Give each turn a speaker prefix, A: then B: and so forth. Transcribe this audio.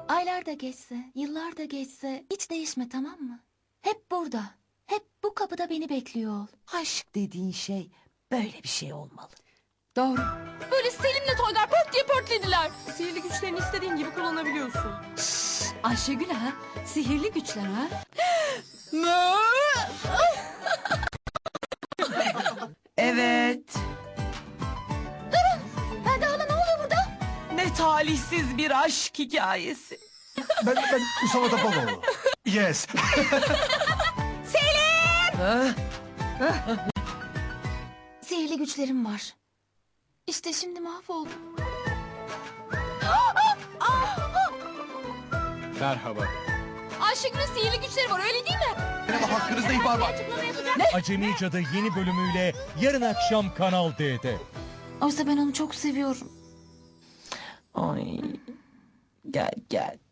A: Aylar da geçse, yıllar da geçse hiç değişme, tamam mı? Hep burada, hep bu kapıda beni bekliyor ol.
B: Aşk dediğin şey böyle bir şey olmalı.
C: Doğru. Böyle Selim'le Toygar pört diye pörtlediler. Sihirli güçlerini istediğin gibi kullanabiliyorsun. Ayşegül ha? Sihirli güçler ha?
B: Evet.
A: Hadi hala, ne oluyor burada?
B: Ne talihsiz bir aşk hikayesi.
D: Ben Mustafa Topaloğlu. Yes.
A: Sihirli güçlerim var. İşte şimdi mahvoldum.
E: Merhaba.
C: Ayşegül'ün sihirli güçleri var, öyle değil mi?
D: Hakkınızda ihbar var.
E: Acemi Cadı yeni bölümüyle yarın akşam Kanal D'de.
A: Oysa ben onu çok seviyorum.
B: Ay. Gel gel.